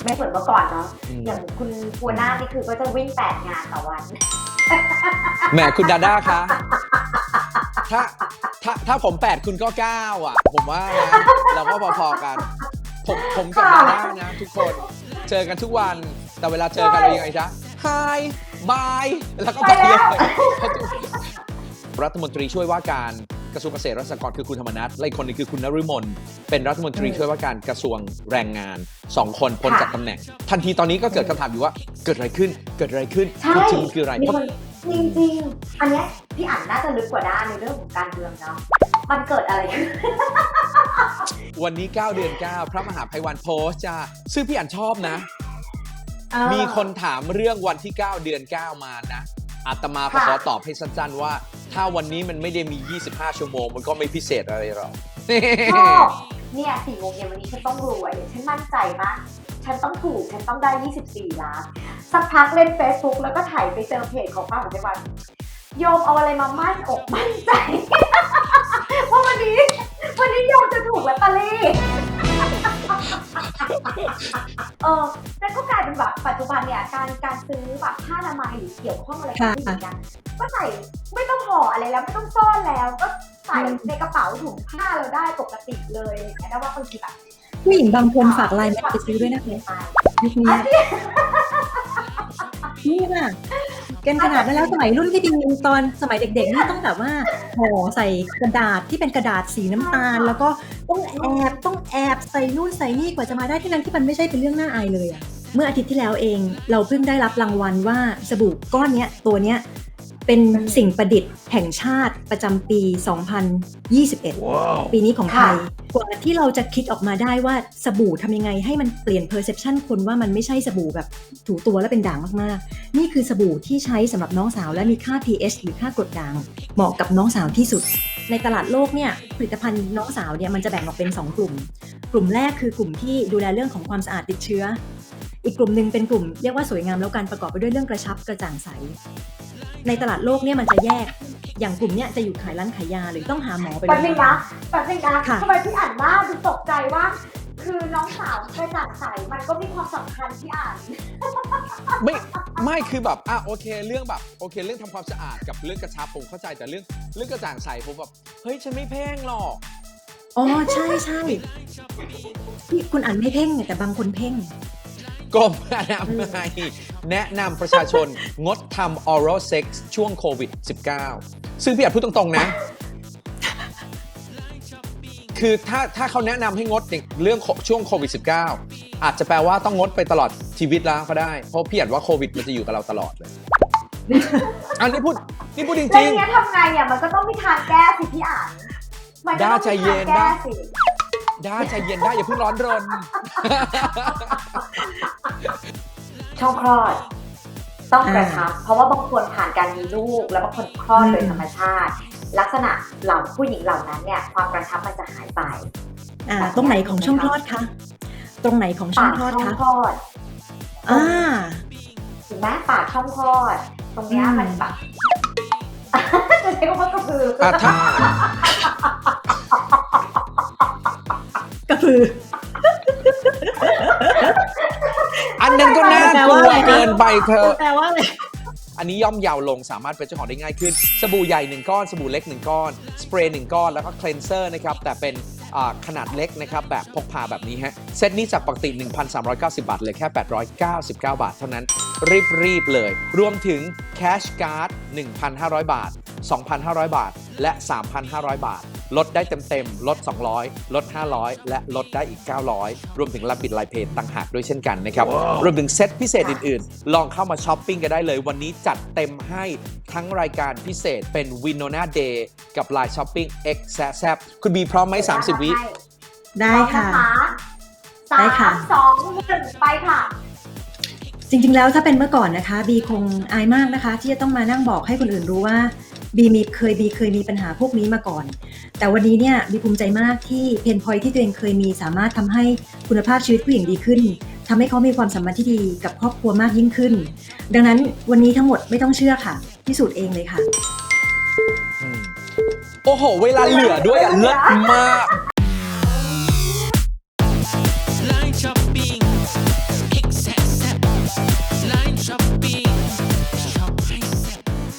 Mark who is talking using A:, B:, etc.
A: ไม่เหมือนเมื่อก่อนเนาะอย่างคุณพัวหน้านี่คือก็จะวิ่ง8 งานต่อวัน
B: แหมคุณดาด้าคะถ้าผม8คุณก็9อ่ะผมว่านะเราก็พอๆกันผมกับดาด้านะทุกคนเจอกันทุกวันแต่เวลาเจอกันเรายังไงจ๊ะ Hi Bye แล้วก็ไปเลยรัฐมนตรีช่วยว่าการกระทรวงเกษตรและสหกรณ์คือคุณธรรมนัสและอีกคนนึงคือคุณนฤมลเป็นรัฐมนตรีช่วยว่าการกระทรวงแรงงาน2 คนพ้นจากตำแหน่งทันทีตอนนี้ก็เกิดคำถามอยู่ว่าเกิดอะไรขึ้นจริงคืออะไร
A: จริงๆอันนี้พี่อ่านน่าจะลึกกว่าด้านในเรื่องของการเมืองเนาะมันเกิดอะไรขึ้น
B: วันนี้9 เดือน 9พระมหาไพวันโพสต์จ้าซึ่งพี่อ่านชอบนะมีคนถามเรื่องวันที่9 เดือน 9มานะอาตมาขอตอบให้สั้นๆว่าถ้าวันนี้มันไม่ได้มี25 ชั่วโมงมันก็ไม่พิเศษอะไรหรอก
A: เนี่ย4 โมงเย็นวันนี้ฉันต้องรวยฉันมั่นใจมากฉันต้องถูกฉันต้องได้24 ล้านสักพักเล่น Facebook แล้วก็ถ่ายไปเจอเพจของพระมหาไพวันโยมเอาอะไรมามั่นอกมั่นใจว่าวันนี้โยมจะถูกลอตเตอรี่นั่นก็กลายเป็นแบบปัจจุบันเนี่ยการซื้อแบบผ้าอนามัยหรือเกี่ยวข้องอะไรกับผู้หญิงกันก็ใส่ไม่ต้องห่ออะไรแล้วไม่ต้องซ่อนแล้วก็ใส่ในกระเป๋าถุงผ้าเราได้ปกติเลยอะไรอย่างเงี้ยนะว่าบางทีแบบ
C: ผู้หญิงบางคนฝากไลน์มาไปซื้อด้วยนะคะยุคนี้นี่น่ะกันขนาดนั้นแล้วสมัยรุ่นที่ดีตอนสมัยเด็กๆนี่ต้องแบบว่าห่อใส่กระดาษที่เป็นกระดาษสีน้ำตาลแล้วก็ต้องแอบใส่นู่นใส่นี่กว่าจะมาได้ที่นั้นที่มันไม่ใช่เป็นเรื่องน่าอายเลยอะเมื่ออาทิตย์ที่แล้วเองเราเพิ่งได้รับรางวัลว่าสบู่ก้อนเนี้ยตัวเนี้ยเป็นสิ่งประดิษฐ์แห่งชาติประจำปี 2021 ปีนี้ของไทยกว่าที่เราจะคิดออกมาได้ว่าสบู่ทำยังไงให้มันเปลี่ยน perception คนว่ามันไม่ใช่สบู่แบบถูตัวแล้วเป็นด่างมากๆนี่คือสบู่ที่ใช้สำหรับน้องสาวและมีค่า pH หรือค่ากรดด่างเหมาะกับน้องสาวที่สุดในตลาดโลกเนี่ยผลิตภัณฑ์น้องสาวเนี่ยมันจะแบ่งออกเป็น2 กลุ่มแรกคือกลุ่มที่ดูแลเรื่องของความสะอาดติดเชื้ออีกกลุ่มนึงเป็นกลุ่มเรียกว่าสวยงามแล้วกันประกอบไปด้วยเรื่องกระชับกระจ่างใสในตลาดโลกเนี่ยมันจะแยกอย่างกลุ่มเนี้ยจะอยู่ขายร้านขายยาหรือต้องหาหมอไป
A: แบบนึงนะทำไมพี่อ่านว่าดูตกใจว่าคือน้องสาวกระจ่างใสมันก็มีความสำคัญที่อ่าน
B: ไม่คือแบบโอเคเรื่องแบบโอเคเรื่องทำความสะอาดกับเรื่องกระชับผมเข้าใจแต่เรื่องกระจ่างใสผมแบบเฮ้ยฉันไม่เพ่งหรอก
C: อ๋อใช่ที่คุณอ่านไม่เพ่งแต่บางคนเพ่ง
B: กรมอนามัยแนะนำประชาชนงดทำ oral sex ช่วงโควิด -19 ซึ่งพี่อาจพูดตรงๆนะคือถ้าเขาแนะนำให้งดเรื่องช่วงโควิด -19 อาจจะแปลว่าต้องงดไปตลอดชีวิตแล้วก็ได้เพราะพี่อาจว่าโควิดมันจะอยู่กับเราตลอดเลยอันนี้พูดจริงๆแล้ว
A: อย่างเงี้ยทำไงอ่ะมันก็ต้องมีทางแก้สิพี่อ่านมันก็ต้องมีทางแก้สิ
B: ได้ใจเย็นได้อย่าเพิ่งร้อนรน
A: ช่องคลอดต้องกระชับเพราะว่าบางคนผ่านการมีลูกแล้วบางคนคลอดโดยธรรมชาติลักษณะเหล่าผู้หญิงเหล่านั้นเนี่ยความกระชับมันจะหายไป
C: ตรงไหนของช่องคลอดคะตรงไหนของช่องคลอดคะ
A: ถูกไหมปากช่องคลอดตรงเนี้ยมันแบบจะใช้คำว่ากระพื
C: อกระพือ
B: อันนั้นก็น่ากลัวเกินไปเธอ
C: แปลว่าอะไร
B: อันนี้ย่อมเยาวลงสามารถเป็นเจ้าของได้ง่ายขึ้นสบู่ใหญ่1 ก้อนสบู่เล็ก1 ก้อนสเปรย์1 ก้อนแล้วก็เคลนเซอร์นะครับแต่เป็นขนาดเล็กนะครับแบบพกพาแบบนี้ฮะเซตนี้จากปกติ 1,390 บาทเลยแค่899 บาทเท่านั้นรีบเลยรวมถึงแคชการ์ด 1,500 บาท 2,500 บาทและ 3,500 บาทลดได้เต็มลด200ลด500และลดได้อีก900รวมถึงรับบิดไลน์เพย์ต่างหากด้วยเช่นกันนะครับรวมถึงเซตพิเศษอื่นๆลองเข้ามาช้อปปิ้งกันได้เลยวันนี้จัดเต็มให้ทั้งรายการพิเศษเป็น Winona Day กับ Line Shopping X แซ่บคุณบีพร้อมไหม30 วิ
C: ได้ค่ะ
A: ได้ค่ะ3 2 1ไปค่ะ
C: จริงๆแล้วถ้าเป็นเมื่อก่อนนะคะบีคงอายมากนะคะที่จะต้องมานั่งบอกให้คนอื่นรู้ว่าบีเคยมีปัญหาพวกนี้มาก่อนแต่วันนี้เนี่ยบีภูมิใจมากที่เพนพอยท์ที่ตัวเองเคยมีสามารถทำให้คุณภาพชีวิตผู้หญิงดีขึ้นทำให้เขามีความสัมพันธ์ที่ดีกับครอบครัวมากยิ่งขึ้นดังนั้นวันนี้ทั้งหมดไม่ต้องเชื่อค่ะพิสูจน์เองเลยค่ะ
B: โอ้โหเวลาเหลือด้วยเลิศมาก